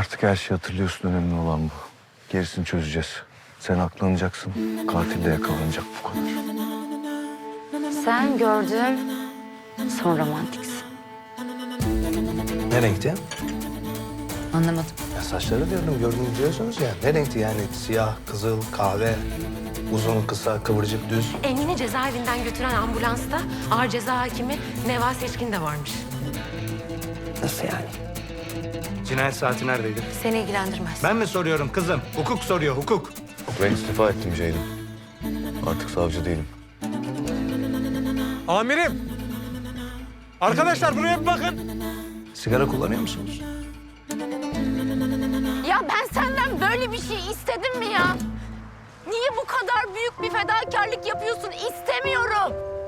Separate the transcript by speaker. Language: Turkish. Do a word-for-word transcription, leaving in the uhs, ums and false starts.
Speaker 1: Artık her şeyi hatırlıyorsun, önemli olan bu. Gerisini çözeceğiz. Sen aklanacaksın, katil de yakalanacak, bu kadar.
Speaker 2: Sen gördüm, son romantiksin.
Speaker 3: Ne renkti?
Speaker 2: Anlamadım.
Speaker 3: Ya saçları diyordum, gördünüz diyorsunuz ya. Ne renkti yani? Siyah, kızıl, kahve, uzun, kısa, kıvırcık, düz.
Speaker 4: Engin'i cezaevinden götüren ambulansta ağır ceza hakimi Neva Seçkin de varmış.
Speaker 3: Nasıl yani? Cinayet saati neredeydi?
Speaker 4: Seni ilgilendirmez.
Speaker 3: Ben mi soruyorum kızım? Hukuk soruyor, hukuk.
Speaker 1: Ben istifa ettim Ceylin. Artık savcı değilim.
Speaker 5: Amirim. Arkadaşlar buraya bir bakın.
Speaker 3: Sigara kullanıyor musunuz?
Speaker 2: Ya ben senden böyle bir şey istedim mi ya? Niye bu kadar büyük bir fedakarlık yapıyorsun? İstemiyorum.